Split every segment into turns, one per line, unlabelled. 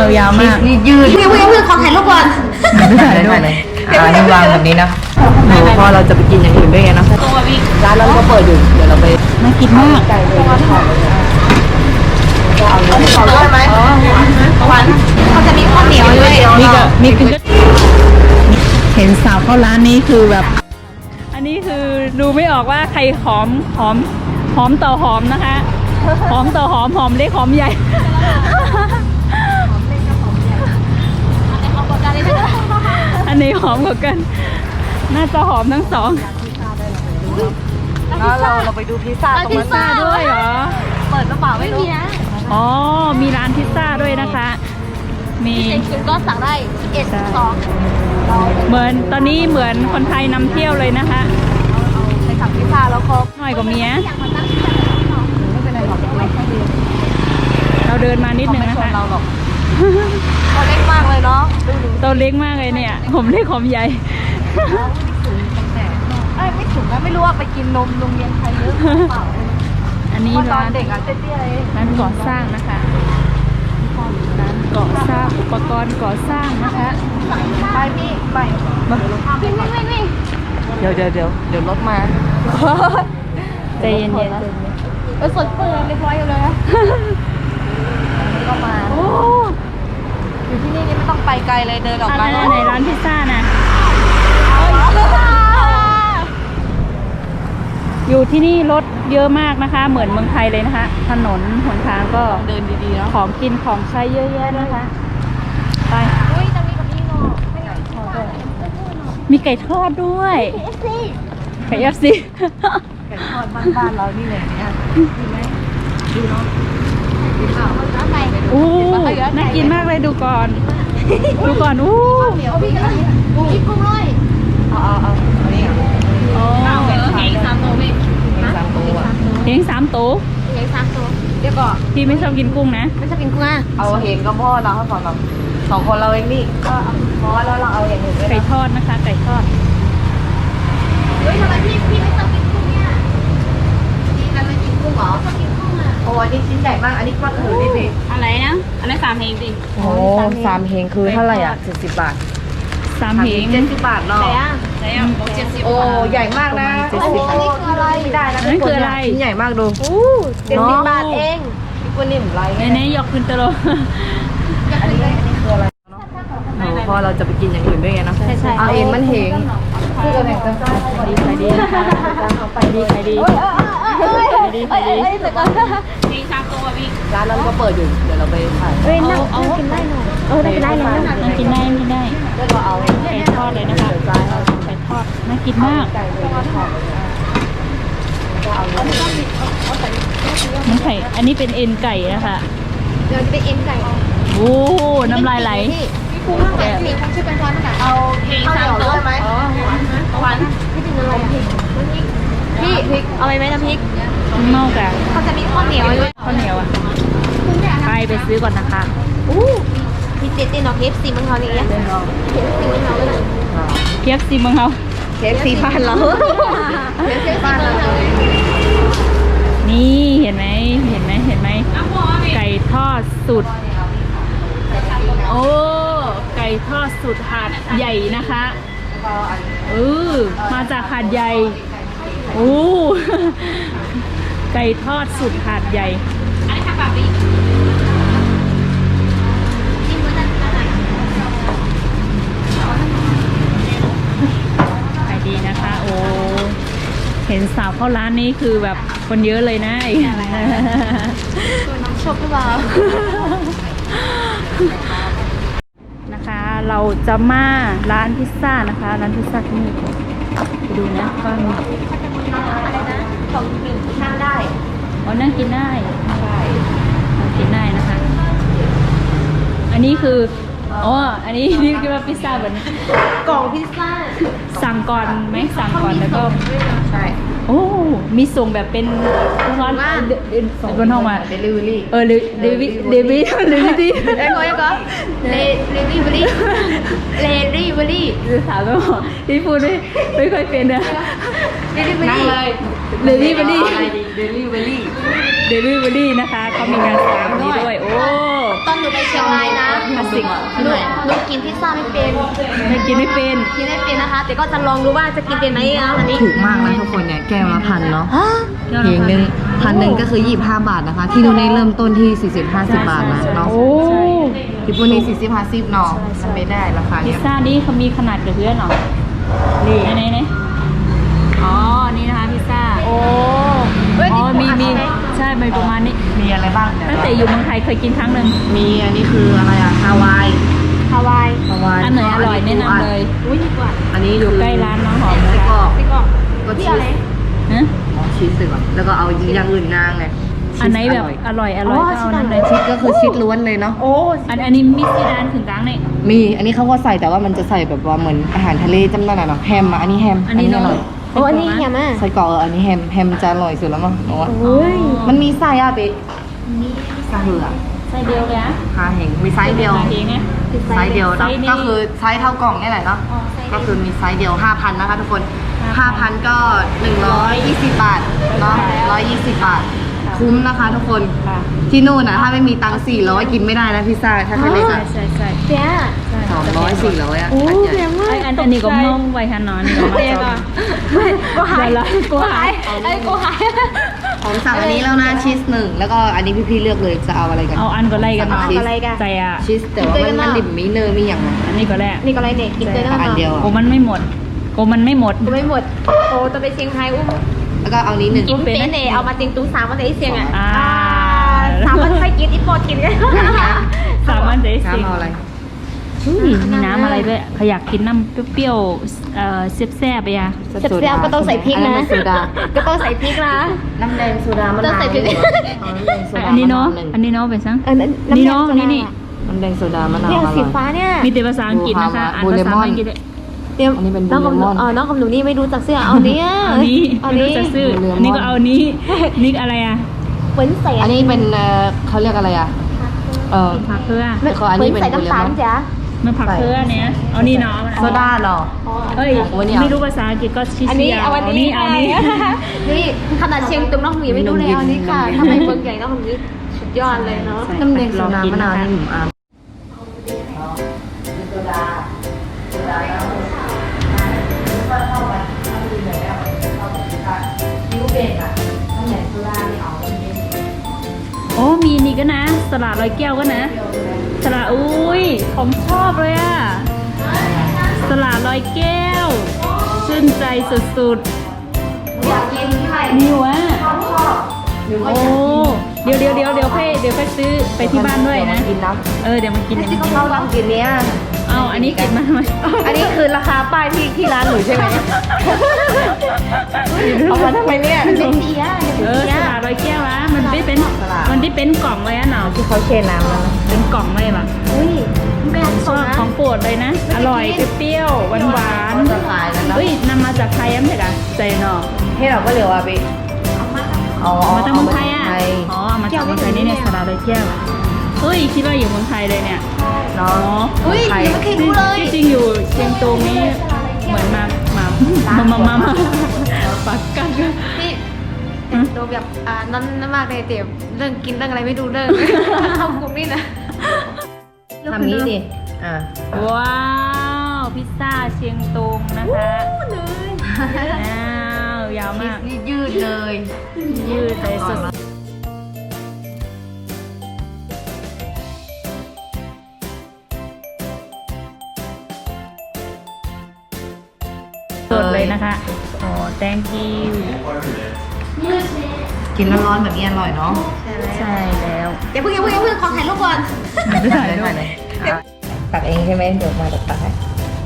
ยาวมาก
ยืดพี่ขอถ่ายรูปก่อน
ถ่ายเลยนี่วางแบบนี้นะพอเราจะไปกินอย่างอื่นด้วยไงนะร้านเราก็เปิดอยู่เดี๋ยวเราไปน่ากินมากไก่เลยเอาด้วยไหมหวาน
เขาจะมีข้าวเหนียวด้วย
มีคือเห็นสาวเข้าร้านนี้คือแบบอันนี้คือดูไม่ออกว่าใครหอมต่อหอมนะคะหอมต่อหอมเล็กหอมใหญ่อันนี้หอมกว่ากันน่าจะหอมทั้งสองแล้วเราไปดูพิซซ่าตรงนั้นด้วยเหรอ
เปิดกระเป๋าไม่รู้นะ
อ๋อมีร้านพิซซ่าด้วยนะคะมี
คิวก็สั่งได้11 12
เหมือนตอนนี้เหมือนคนไทยนำเที่ยวเลยนะคะ
ไปสั่งพิซซ่าแล้วก็
หน่อยกว่าเมียเราเดินมานิดนึงนะคะ
ตัวเล็กมากเลยเนาะ
ตัวเล็กมากเลยเนี่ยผมเล็กผมใหญ่
ไม่ถึงนะไม่รู้ว่าไปกินนมโรงเรียนใครเยอะเปล่า
อันนี้ร้าน
เด็กอ่ะเตี้ยเลย
ร้านก่อสร้างนะคะร้านก่อสร้างอุปกรณ์ก่อสร้างนะคะ
ไปพี่ไปวิ่ง
เดี๋ยวรถมาใจเย็น
สดเปิดเรียบร้อยเลยนะก็มาอยู่ที่นี่ไม่ต้องไปไกลเลยเดินออกมา
ในร้านพิซซ่านะอยู่ที่นี่รถเยอะมากนะคะเหมือนเมืองไทยเลยนะคะถนนหนทางก็
เดินดีๆเนาะ
ของกินของใช้เยอะแยะนะคะไป
จะมีกับนี่เนาะ
มีไก่ทอดด้วยไก่FC
ไก่ทอดบ้านเรานี่เลยเนี่ยดีไหมดีเนาะ
น่ากินมากเลยดูก่อน
เหนียวพี่กุ้งเลยเอานี่เฮง3 ตัวพี่
เฮง3 ตัว
เดี๋ยวก่อน
พี่ไม่ชอบกินกุ้งนะ
ไม่ชอบกินกุ้งอ่ะ
เอาเฮงก็พ่อเราให้ก่อนเรา2 คนเราเองนี่
ก็พอแล้วเราเอาอย่างอื่น
ไก่ทอดนะคะไก่ทอด
เฮ้ยทำไมพี่ไม่ชอบกินกุ้งเนี่ยนี่ทำไมกินกุ้งเหรอชอบกินกุ้งอ่ะ
โอ้อันนี้ชิ้นใหญ่มากอันนี้ก็ถือดิ
อะไรนะอันนี้3 เฮงดิ
โอ้3 เฮงคือเท่าไหร่อ่ะ70 บาท3 เฮง
70 บาทเนาะไหนอ่ะ
โอ้ใหญ่มากนะ
อันนี้คืออะไรได้นะ
นั่นคืออะไรชิ้นใหญ่มากดู
70 บาทเอง
พี่กุ้งนิ่มไรเนี่ยยกขึ้นตลอดอันนี้คืออะไรพอเราจะไปกินอย่างอื่นด้วยไงนะเอาเองมันเฮงคือเราแบ่งกันขายดีนะคะขายดี
เฮ้ยมี3 ตัวพี่
ร้านเราก็เปิดอยู่เดี๋ยวเราไปถ่าย
นั่งกินได้หน่อย
ได้นั่งกินได้แล้วก็เอาไก่ทอดเลยนะคะไก่ทอดน่ากินมากมันไข่อันนี้เป็นเอ็นไก่นะคะ
เดี๋ยวจะเป็นเอ็นไก่
โอ้น้ำลายไหล
พี่คุ้งข้างหลังพี่คุ้งชื่อเป็นช้อนขนาดเอาเฮง3 ตัวไหมหวานพี่เป็นอะไรพี่พริกเอาไปไหมน้ำพริก
เมากัน
เขาจะมีข้าวเหนียวด้วย
ข้าวเหนียวอ่ะไปซื้อก่อนนะคะ
พี่เจ๊เนาะKFCเมืองเขาเนี่ย
KFCเมืองเขา
KFC บ้านเรา
นี่เห็นไหมไก่ทอดสุดโอ้ไก่ทอดสุดหาดใหญ่นะคะมาจากหาดใหญ่ไก่ทอดสุดหาดใหญ่
อันนี้ค่ะแบบนี้
ขายดีนะคะโอ้เห็นสาวเข้าร้านนี้คือแบบคนเยอะเลยนะ
น้ำชอบหรือเปล่า
นะคะเราจะมาร้านพิซซ่านะคะร้านพิซซ่าที่นี่ไปดูนะว่ามี
อะไรนะของกินนั่งได้
นั่งกินได้นั่งกินได้นะคะอันนี้คืออันนี้นี่คือว่าพิซซ่าแบบ
กล่องพิซซ่า
สั่งก่อนไหมสั่งก่อนแล้วก็
ใช่
มีส่งแบบเป็นร้านบนห้องมา
เดลิเวอรี่
เดวิถามแล้วที่พูดไม่ค่อยเป็นนะ
นั่งเลย
เดลิเวอรี่นะคะเขามีงานสั่งนี้ด้วยโอ้
ตอนหนูไปเชียงรายนะ
คลาสสิก
หนูกินพิซซ่าไม่เป็น
ไม่กินไม่เป็น
กินไม่เป็นนะคะ แต่ก็จะลองดูว่าจะกินเป็นไหมนะอันนี้
ถูกมากนะทุกคนเนี่ยแก้วละ1,000เนาะ
ฮะ
เพลงหนึ่ง1,000ก็คือ25 บาทนะคะ ที่ดูในเริ่มต้นที่40-50 บาทนะเนาะ
ใช่
ที่พวกนี้40-50เนาะมันไม่ได้ราคา
พิ
เนี้
ซ
ย
ซ่านี่เขามีขนาดกับเพื่อนเหรอ
นี่
ไหนอ๋อ นี่นะคะพิซซ่า
โอ้เฮ้ย
อ๋อ
นี่
มีใช่มีประมาณนี้
มีอะไรบ้างเนี่ย
ตั้งแต่อยู่เมืองไทยเคยกินครั้งหนึ่ง
มีอันนี้คืออะไรอะฮาวาย
ฮาวาย
ฮาวาย
อันไหนอร่อยแนะนำเลย
อุ้ยดีกว่า
อันนี้
อยู่ใกล้ร้านน้องหอม
ไส้กรอก
พี่กอก
ก็
พี่
ชี
อะไร
ส
ฮะ
อ๋อชีสสิก่อนแล้วก็เอาอย่างอื่นนางไง
อันไหนแบบอร่อยก็เอานั่นเลย
ชีสก็คือชีสล้วนเลยเนาะ
โอ้
อันนี้มิสซีดานถึงกลางนี่
มีอันนี้เขาก็ใส่แต่ว่ามันจะใส่แบบว่าเหมือนอาหารทะเลจำได้เนาะแฮมอ่ะอันนี้แฮม
อันนี้
อ
เนาะ
ร่อย
โอ้อันนี้แฮมอ่ะ
ไส้กรอกอันนี้แฮมจะอร่อยสุดแล้วมั้งเพราะว่า
โอ้ย
มันมีไส้อะเป๊ะไส้เหือ
ไส้เดียวเลยอะ
คาเห็นมีไซส์เดียว
เองไง
ไซส์เดียว
ไซ
เนาะ
ส์นี้
ก็คือไซส์เท่ากล่องนี่แหละเนาะ
อ๋อไซส์เดียว
ก็คือมีไซส์เดียว 5,000นะคะทุกคน
5,000
5,000 ก็120 บาทเนาะ120 บาท คุ้มนะคะทุกคน
ค่ะ
ที่นู่นนะถ้าไม่มีตังค์400 กินไม่ได้นะพิซซ่าถ้าใครเล็ก
ใช่
อะ
ใช่ใช่
เจ๊
200 400อะ
โอ้
อันให
แพ
ญ่
งมาก
อันนี้ก็มองไว้ค่ะนอนนี่ก็มา
เจ๊
จ
ก่
อ
อน
ง
ไม่กูหาย
เดี๋ยวละกูหาย
ไอ้กูหาย
ผมสั่งอันนี้แล้วนะชีส1แล้วก็อันนี้พี่ๆเลือกเลยจะเอาอะไรกัน
เอาอันก็ไล่กัน
สั่
เนาะ
งชีส
อะไรกัน
ใจอ่ะ
ชีสแต่ว่ามันดิบมีเนยมีอย่างไร
อันนี้ก็แรก
นี่ก็อะไรเนี่ยกินเลยนะ
อันเดียว
โอ้มันไม่หมดโอ้มันไม่หมด
กูไม่หมดโอ้จะไปเชียงรายอุ้ม
แล้วก็เอานี้1
กินเป็นเนี่ยเอามาติงตู้3วันไหนเชียงอ่ะ
อ่า
3วันใครกินอีโปรดกินกัน
สามารถได้
น้ำ
สิ
เอาอะไร
มีน้ำอะไรด้วยขอยากกินน้ำเปรี้ยวๆแซ่บๆไปอ่ะ
แซ่บๆก็ต้องใส่พริกนะ
อัโซดา
ก็ต้องใส่พริกนะ
น้ำแดงโซดามะ
ต้อน
าง ว
ใส่พริก
เอาน้ำแดงโซดา
อันนี้เนาะ
มวหง
อันนี้เนาะไปซัง
นี่
นี่เนาะนี่นี่
น้ำแดงโซดามะนาว
เนี่ย
อร่
สี
อย
ฟ้าเนี่ย
มีแต่ภาษาอังกฤษนะคะอ่านภาษาอังกฤษด้วย
เดี๋ยว
อันนี้เป็น
น้องของหนู
บูเลมอน
น้องของหนูนี่ไม่รู้จักเสื้อเอาเนี้ย
เอานี้
เอา
ไม่รู้
นี้
จะซื้อ
บูเลมอน
อันนี้ก็เอานี้นี่อะไรอ่ะ
เหมือนใส่
อันนี้เป็นเขาเรียกอะไรอ่ะ
ผักเครือ
แต่ขออันนี้เป็น
ใส่น้ำตาล
บูเลมอน
จ้ะ
มันผักเครือเนี้ยเอานี่เนาะ
โซดาเหรอ
เอ้ย
โอ้ยเนี่ย
ไม่รู้ภาษาอังกฤษก็ชี้
อันนี้เอาอันนี้
เอานี้
นี่ขนาดเชียงตุงน้องหนูยังไม่รู้เลยเอาอันนี้ค่ะทำไมเมืองใหญ่น้องหนูนี่สุดยอดเลยเนาะ
น้ำแดงโซดามะนาวนี่หนุ่มอาม
โอ้มีนี่ก็นะสลัดร้อยแก้วก็นะสลัดอุ้ยผมชอบเลยอ่ะสลัดร้อยแก้วชื่นใจสุดๆนี่วะโอ้เดี๋ยวค่อยซื้อไปที่บ้านด้วยนะ
กินนะ
เดี๋ยวมากิน
ที่เขาลองกินเนี้ย
เอาอันนี้กินมาทำไม
อันนี้คือราคาป้ายที่ร้านหนูใช่ไหมเอามาทำไมเนี่ย
เป็นเดีย
สลัดร้อยแก้ววะมันได้เป็นกล่องเลยอะเนาะ
ที่เขาเชนน้ำแล้ว
เป็นกล่องเลยปะ
อุ้ยแม่
ชอบของโปรดเลยนะ อร่อยเปรี้ยวหวาน
จะขายแล้ว
ๆ
เนาะ
เฮ้ยนำมาจากไทยมั้งเหรอใจเนาะ
ให้เราก็เหลือว่าไปเอา
มาจากเมืองไทยอ่ะ
ไทย
อ๋อมาจากเมืองไทยนี่เนี่ยสลัดร้อยแก้วเฮ้ยคิดว่าอยู่เมืองไทยเลยเนี่ย
เนาะ
อุ้ยยังไม่เคยรู้เลย
ที่จริงอยู่เชียงตุงนี้เหมือนมาปักกัน
พี่โดนแบบนั่นมากเลยเตี๋ยเรื่องกินเรื่องอะไรไม่ดูเรื่องเข้ากลุ่มนี่นะ
ทำนี้ดิ
ว้าวพิซซ่าเชียงตุงนะคะอ้าวยาวมาก
นี่ยืดเลย
ยืดเลยสุดสดเลยนะคะโอ้ thank you
กินร้อนๆแบบนี้อร่อยเนาะ
ใช่แล้ว
อย่าเพิ่งขอถ่ายรูปก่อน
ไม่ถ่ายด้วย
เลยตักเองใช่ไหมเดี๋ยวมาตักให้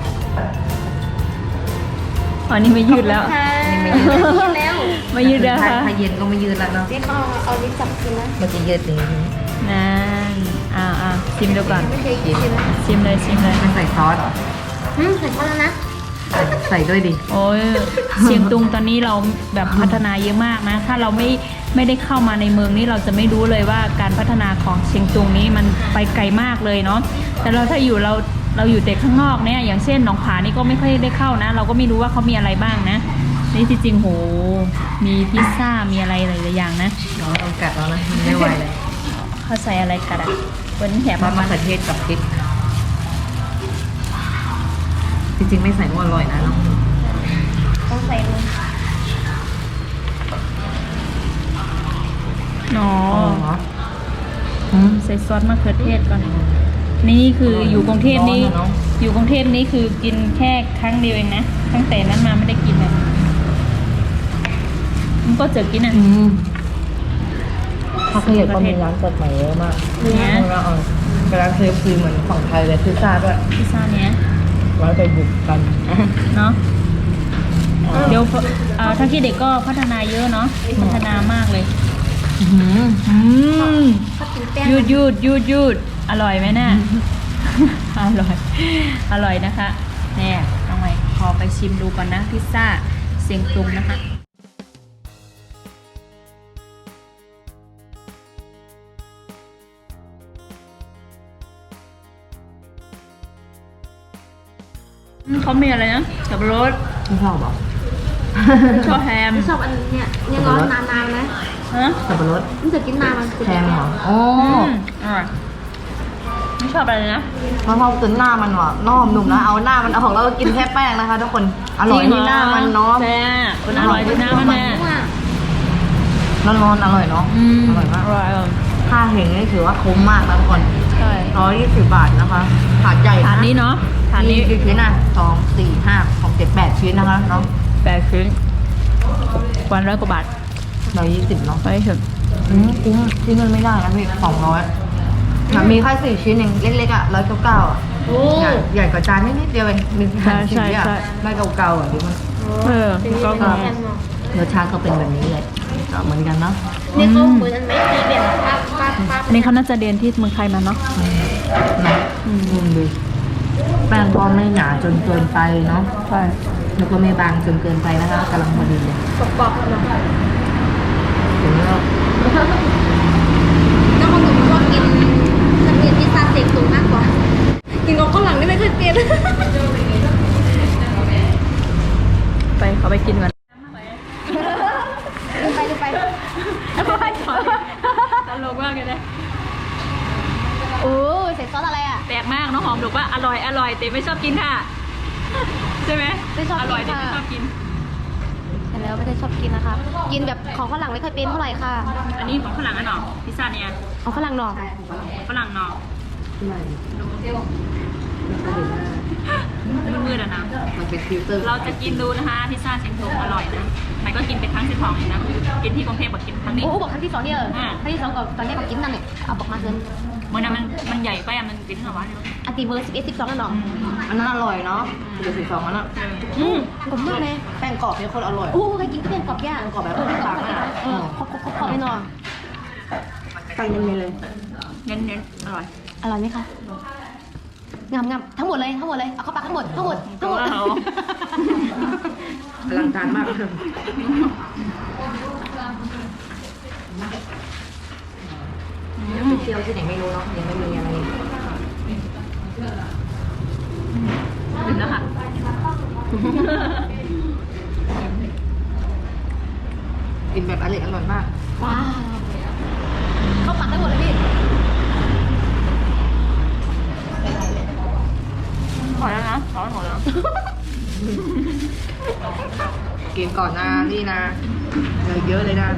อ๋อนี่ไม่ยืดแล้ว
ไม่ยืด
แล้ว
ไม่ยืดแล้วค่ะ
ถ้าเย็นก็ไม่ยืดแล้วเนาะ
เจ๊เขาเอาลิ้นจับกินนะ
มันจะยืดอย่างนี้
นั่นชิมดูก่อน
ไม่เคยกินเลยนะ
ชิมเลย
มันใส่ซอสเหรอ
ใส่ข้าวแล้วนะ
ใส่ด้วยดิ
โอ้ยเชียงตุงตอนนี้เราแบบพัฒนาเยอะมากนะ ถ้าเราไม่ได้เข้ามาในเมืองนี้เราจะไม่รู้เลยว่าการพัฒนาของเชียงตุงนี้มันไปไกลมากเลยเนาะ แต่เราถ้าอยู่เราอยู่แต่ข้างนอกเนี่ย อย่างเช่นหนองผานี่ก็ไม่ค่อยได้เข้านะ เราก็ไม่รู้ว่าเขามีอะไรบ้างนะ นี่ที่จริงโห มีพิซซ่า มีอะไรหลายๆอย่างนะ
น้องต้องกัดแล้วนะไม่ไหวเลย
คเขาใส่อะไรกันอ่ะวันนี้แถม
ซอสมะเขือเทศกับพริกจริงๆไม่ใส่ก็อร่อยนะเนาะ
ต้องใส่ลง
อ๋อ
เหรอ
ใส่ซอสมะเขือเทศก่อน นี่คืออยู่กรุงเทพนี้
ร้อนอะเนอะ
อยู่กรุงเทพนี้คือกินแค่ครั้งเดียวเองนะ ตั้งแต่นั้นมาไม่ได้กินเลยมันก็เจอกินอ่ะ
ถ้าเคยเห็นก็มีร้านเปิดใหม่เยอะมาก
เนี่ย
แล้วร้านเคฟซีเหมือนของไทยเลยพิซซ่าด้วย
พิซซ่าเนี้ย
ไว้ไปบุกกัน
เนาะเดี๋ยวถ้าคิดเด็กก็พัฒนาเยอะเนาะพัฒนามากเลย
ถ้ากินแป้ง
ยืดอร่อยไหมน่ะ อร่อยนะคะแน่น้องใหม่ขอไปชิมดูก่อนนะพิซซ่าเสียงตุงนะคะเขามีอะไรนะสับปะรด
ไม่ชอบหรอ
ชอบแฮม
ไม่ชอบอันเนี่ยยังร้อนนานๆนะ
ฮะ
สับปะรด
มันจะกินนานมันจะ
แพงเหรออ๋อ
อร่อยไม่ชอบอะไรนะ
เพราะชอบจนหน้ามันว่ะนอมหนุ่มนะเอาหน้ามันเอาของเราก็กินแค่แป้งนะคะทุกคนอร่อยที่หน้ามันเนาะ
แซ่บคนอร่อยที่หน้ามันแน่
ร้อนๆอร่อยเนาะอร่อยมาก
อร่อย
ค่าเห็งนี่ถือว่าคุ้มมากนะทุกคน
ใช่
120 บาทนะคะถาดใหญ่
ถาดนี้เนาะถาด
มี
นี้
กี่ชิ้นอ่ะ2 4 5 6 7 8 ชิ้นนะคะเนาะ
8 ชิ้นวัน100 กว่าบาท
120เนาะ
ไปเถอะ
คุ้มชิ้นเงินไม่ได้นะพี่200มีแค่4 ชิ้นเองเล็กๆอ่ะ199อ่ะ
โอ้
ใหญ่กว่าจานนิดเดียวเองมีแค่ชิ้นอ่ะไม่เก่าๆอ่ะดูมัน
ก็
แป้งเนาะ
รสชาติก็เป็นแบบนี้เลยก็เหมือนกันเนาะ
นี่เขาเหมือนอันไหมตีแบบปั๊บ
อันนี้เขาน่าจะเรียนที่เมืองไทยมาเนาะ
ดูแป้งก็ไม่หนาจนเกินไปเนาะ
ใช่
แล้วก็ไม่บางจนเกินไปนะคะกำลังพอดีเลย
กรอบๆเนาะ
ถึงแล้ว
แล้วคนอื่นชอบกินฉันกินพิซซ่าเซ็กสูงมากกว่า กินกับข้าวหลังนี่ไม่เคยเปลี่ยน
ไปเขาไปกินกัน
ไป
ตลกมากเลยนะ
โอ้ใส่ซอสอะไรอ่ะ
แปลกมากน้องหอมบอกว่าอร่อยแต่ไม่ชอบกินค่ะ ใช่ไหม
ไม่ชอบกิน
อร่อยแต่ไม่
ค่ะ
ชอบกิน
แต่แล้วไม่ได้ชอบกินนะคะ กินแบบของฝรั่งไม่เคยเป็นเท่าไหร่ค่ะ
อันนี้ของฝรั่งอ่ะเนาะพิซซ่าเนี่ย
ของฝรั่งหน่อ
ฝรั่งเนาะมืดๆอ่ะนะ
มันเป็นฟิลเตอร์
เราจะกินดูนะคะพิซซ่าเชียงตุงอร่อยนะมันก็กินเป็นครั้งที่สองเองนะกินที่กรุงเทพบอกกินครั้งนี้
โอ้บอกครั้งที่สองเนี่ยครั้งที่สองก่อนตอนนี้บอกกินนั่นเนี่ยเอาบอกมาเกิน
เมื่อนั้นมันใหญ่ไปอ่ะมันกินทั้งวันเลย
อันตีเบอร์11 12แล้วเนาะ
อันนั้นอร่อยเนาะเดี๋ยว12อันน่ะ
ผมมากเลย
แป้งกรอบเป็นคนอร่อย
โอ้ใครกินก็เป็นกรอบย่าง
กรอบแบบต่างๆอ่ะ
ครบไปหน่อย
ตั้งเย็นๆเลย
เน้นๆอร่อย
อร่อยไหมคะงามทั้งหมดเลยเอาเข้าปากทั้งหมด
เอา
อลังการมากไปเที่ยวที่ไหนไม่รู้เนาะยังไม่มีอะไร
ถึงแล้วค่ะ
กินแบบอร่อยมาก
ว้าวเข้าปากทั้งหมดเลยพี่
หมดแล้วนะร้อนหมดแล้ว
กินก่อนนะนี่นะเยอะเลยนะ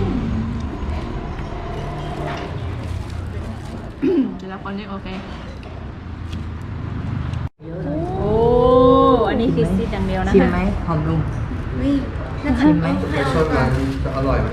เดี๋ยวคนนี้โอเคโอ้อันนี้คือซีดอย่างเดียวนะ
ชิม
คะ
ไหมหอมลุง
น่าจะ
ชิมไหม
ชอบร้านนี้จะอร่อยไหม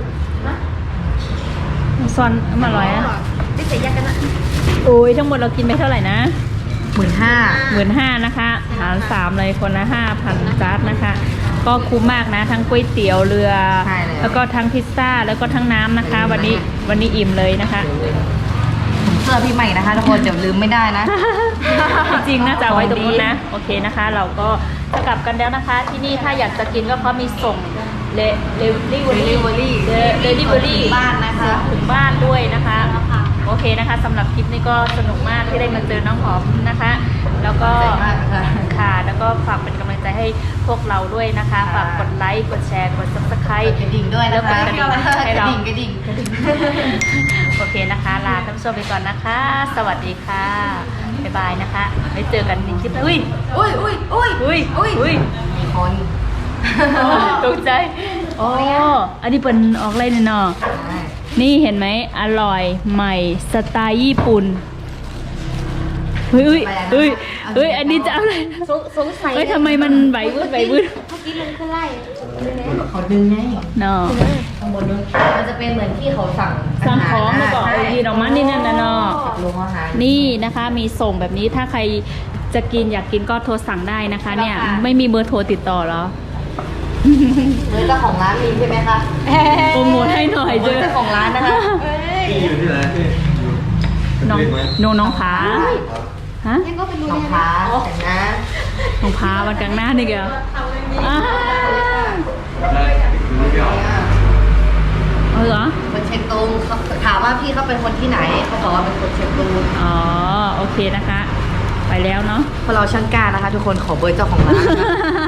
ซอนมาอร่อยอ่ะ
ได้ใส่ยากันนะ
โอ้ยทั้งหมดเรากินไปเท่าไหร่นะ
15,000
15,000นะคะหาร3เลยคนละ5,000จานนะคะ ก็คุ้มมากนะ ทั้งก๋วยเตี๋ยวเรือ
ใช่แล้ว
แล้วก็ทั้งพิซซ่าแล้วก็ทั้งน้ำนะคะ วันนี้อิ่มเลยนะคะ
เสื้อพี่ใหม่นะคะทุกคนเดี๋ยวลืมไม่ได้นะ
จริงๆน่าจะเอาไว้ตรงนู้นนะ โอเคนะคะ เราก็จะกลับกันแล้วนะคะ ที่นี่ถ้าอยากจะกินก็เขามีส่งเลลิเวอรี่
บ้านนะคะ
ถึงบ้านด้วยนะคะ โอเคนะคะสำหรับคลิปนี้ก็สนุกมากที่ได้มาเจอน้องหอมนะคะ แล้วก็
ขอบใจมากค่ะ
ค่ะแล้วก็ฝากเป็นกำลังใจใจให้พวกเราด้วยนะคะฝากกดไลค์กดแชร์กด subscribe
กระดิ่งด้วยนะคะ
แล้วกดกระดิ่งให้เรา
กระดิ่ง
โอเคนะคะลาท่านผู้ชมไปก่อนนะคะ สวัสดีค่ะบ๊ายบายนะคะไว้เจอกันในคลิปหน้าอุ้ย
อุ้ยอุ้ยอุ้ย
อุ้ยอุ้ย
มีคน
ตกใจโอ้อันนี้เป็นออกอะไรเนี่ยเนาะนี่เห็นไหมอร่อยใหม่สไตล์ญี่ปุ่นเฮ้ยเฮ้ยเฮ้ยอันนี้จะอะไร
สงสัย
เฮ้ยทำไมมันไหววืดไหววืด
เมื่อกี้มันขึ้นไล่
เขาดึงไง
เนาะ
ข้างบนนู้นมันจะเป็นเหมือนที่เขาสั่ง
สั่งของแล้วก็เอายีนออกมานี่นั่นนะเนาะ
ลงอาหาร
นี่นะคะมีส่งแบบนี้ถ้าใครจะกินอยากกินก็โทรสั่งได้นะคะ เนี่ยไม่มีเบอร์โทรติดต่อเหรอ
เฮ้ยเจ้าของร้านมีใช่ไหมคะ
โปรโมทให้หน่อยเจอ
เจ้าของร้านนะคะ
พี่อยู่ที่ไหนพี่อยู่
น้อง
เล็กไหม
น้องผาฮะ
ยังก็เป็นรู
น้อง
เนี่ย
ฟ้าแต่งนะ
น้องผาวันกลางหน้านี่เกลอ้า
ได้ดูไม่ออก
เหรอ
คนเชียงตุงเขาถามว่าพี่เขาเป็นคนที่ไหนเขาบอกว่าเป็นคนเชียงตุง
อ๋อโอเคนะคะ ไปแล้วเนาะ
พวกเราช่างกล้านะคะ ทุกคนขอเบอร์เจ้าของร้านนะ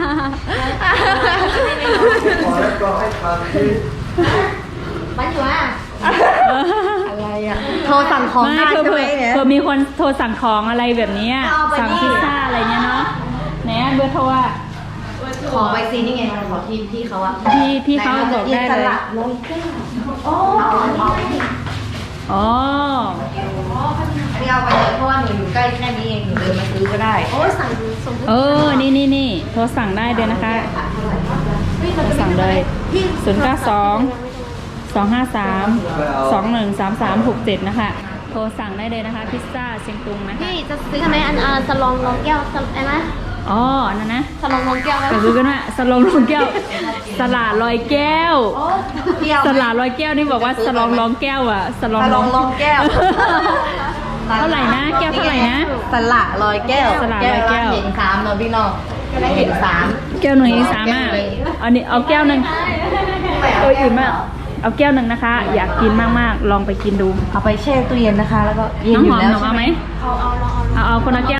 ขอแล้วก็ให้ทานที่
มันอยู่อ่ะ
อะไรอ่ะโทรสั่งของ
ไม่
ได้
คือ
ใช่ไหมเนี่ย
เผื่อมีคนโทรสั่งของอะไรแบบเนี้ย
เอาไป
สั่ง
นี่
พิซซ่าอะไรเนี้ยเนาะไหนอะเบอร์โทรอะ
ขอไปซีนี่ไงขอที่เขาอะ
พี่เขาบอกได้เลย อ๋อ
อันนี้เอาไปเลยเพราะว่าหนูอยู่ใกล้แค่นี้เองหนูเดินมาซื้อก็ได้
โอ้ยสั่งส่ง
เออ นี่โทรสั่งได้เลยนะคะโทรสั่งเลย092-253-213367นะคะ โทรสั่งได้เลยนะคะ พิซซ่าเชียงตุงนะคะ
พี่จะซื้อทำไมอันสลองรองแก้วอะไรนะ
อ๋ออันนั้นนะ
สลองรองแก้ว
ก็คือกันว่าสลองลองแก้ว สลาดลอยแก้ว
เที่ยว
สลาดลอยแก้วนี่บอกว่าสลองลองแก้วอะสลอง
สลองลองแก้ว
เท่าไหร่นะ แก้วเท่าไหร่นะ
สละลอยแก้ว
สละลอยแก้ว
เห็นสามเนาะพี่น้องเห็นสาม
แก้วหนึ่งสามารถอันนี้เอาแก้วหนึ่งอื่นมาก เอาแก้วหนึ่งนะคะ อยากกินมากๆ ลองไปกินดู
เอาไปแช่ตู้เย็นนะคะ แล้วก็เย็น
น้อง
อ
ห
ยู่
อม
แล้ว
หนู
ใช่
เอา
ไห
ไห
ม
มเอาคนละแก้ว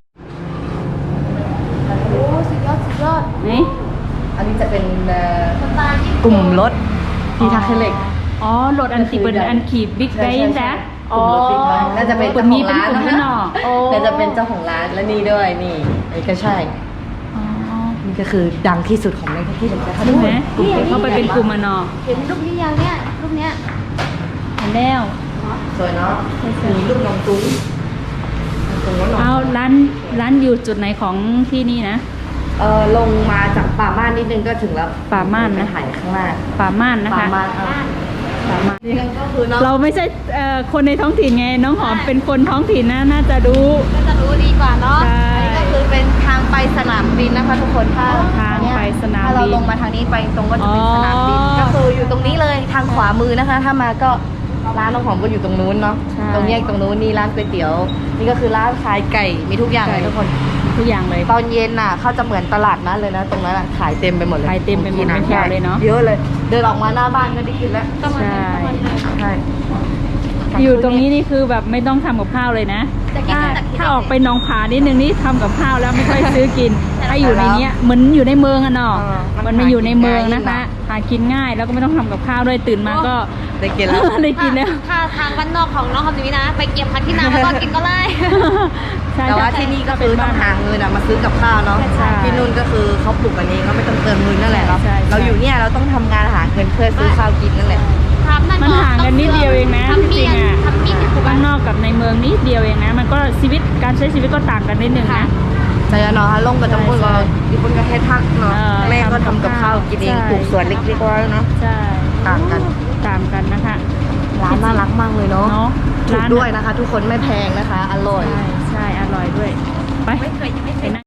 โอ้สุดยอดสุดยอด
นี่
อันนี้จะเป็น
สไตล์ญี่
ก
ปุ่น
ลุ่มรถพีทักเทเล็ก
อ๋อรถอันติเป็นอันขีบบิ๊กไบค์นะ
กลุ่มรถบิ๊กไบค์น่าจะเป็นเจ้าของร้าน
เป็นกลุ่มพี่น้อง
น่าจะเป็นเจ้าของร้านและนี่ด้วยนี่นี่ก็ใช่
อ๋อ
นี่ก็คือดังที่สุดของในที่เลยนะคะ
ใช่ไหมเขาไปเป็นกลุ่มอะเนาะ
เห็นรูปนี้ยังเนี่ยรูปเนี้ย
เห็นแล้ว
สวยเนาะมีรูปน้องตุ้งน้องตุ้งว่าน้อง
เอาร้านอยู่จุดไหนของที่นี่นะ
ลงมาจากป่าม่านนิดนึงก็ถึงแล้ว
ป่าม่านนะ
ถ่ายข้างล่าง
ป่าม่านนะ
ป่า
คะ
ม่าน
ป่าม่าน
นี่ก็คือเนาะ
เราไม่ใช่คนในท้องถิ่นไง น้องหอมเป็นคนท้องถิ่นนะน่าจะรู้
ก็จะรู้ดีกว่าเนาะ
ใช่
อันนี้ก็คือเป็นทางไปสนามบินนะคะทุกคนถ้า
ทางไปสนามบิน
ถ้าเราลงมาทางนี้ไปตรงก็จะเป็นสนามบิน
อ๋อ
ก็คืออยู่ตรงนี้เลยทางขวามือนะคะ ถ้ามาก็ร้านน้องหอมก็อยู่ตรงนู้นเนาะ
ใช่
ตรงแยกตรงนู้นนี่ร้านก๋วยเตี๋ยว นี่ก็คือร้านขายไก่มีทุกอย่างเลยทุกคน
ทุกอย่างเลย
ตอนเย็นน่ะเขาจะเหมือนตลาดนัดเลยนะ ตรงนั้นน่ะขายเต็มไปหมดเลย
ขายเต็มไปหมด
กิน
เป็นแถวเลยเนอะ
เยอะเลย เดินออกมาหน้าบ้านก็ได้กินแล้ว
ก็มัน
ใช่
ใช่
อยู่ตรงนี้นี่คือแบบไม่ต้องทำกับข้าวเลยนะ
จะกิน
ถ้า
จากที่
ถ้าออกไปหนองผานิดนึงนี่ทำกับข้าวแล้วไม่ค่อยซื้อกิน ถ้าอยู่ในเนี้ยเหมือนอยู่ในเมืองอะเนาะมันมาอยู่ในเมืองนะคะ หากินง่ายแล้วก็ไม่ต้องทำกับข้าวด้วยตื่นมาก็
ได้กินแล้ว
ได้กินแล้ว
ถ้าทางบ้านนอกของน้องคำนี้นะ ไปเก็บผักที่นาแล้วก็กินก็ไล่
ใช่
แต่ว่า
ใช่
ที่นี่ก็คือต้องหาเงินอะมาซื้อกับข้าวเนาะ
ใช่
ที่นู่นก็คือเขาปลูกกันเองก็ไม่ต้องเติมเงินนั่นแหละเนาะ
ใช่ใช่
เราอยู่เนี่ยเราต้องทำงานหาเงินเพื่อซื้อข้าวกินนั่นแหละ
มันห่างกันนิดเดียวเองนะ
ทำ
จ
เมี
ริ
ย
ง
น
ๆอ่ะ
ทำมีดถูก
บ้า
ป่ะ
นนอกกับในเมืองนิดเดียวเองนะ มันก็ชีวิตการใช้ชีวิตก็ต่างกันนิดนึงนะ
แต่เนาะลงกับจำพวกเราญี่ปุ่นก็ให้พักเนาะ
เออ
แม่ก็ทำกับข้าวกินเอง
ใช่
ปลูกสวนเล็กๆไว้เนาะ
ใช่
ต่างกัน
ต่างกันนะคะ
ร้านน่ารักมากเลยเนาะ
เนาะ
ถูกด้วยนะคะ ทุกคนไม่แพงนะคะ อร่อย
ใช่ใช่อร่อยด้วย ไป
ไม่เคยยังไม่เค
ไป
ย
นั่ง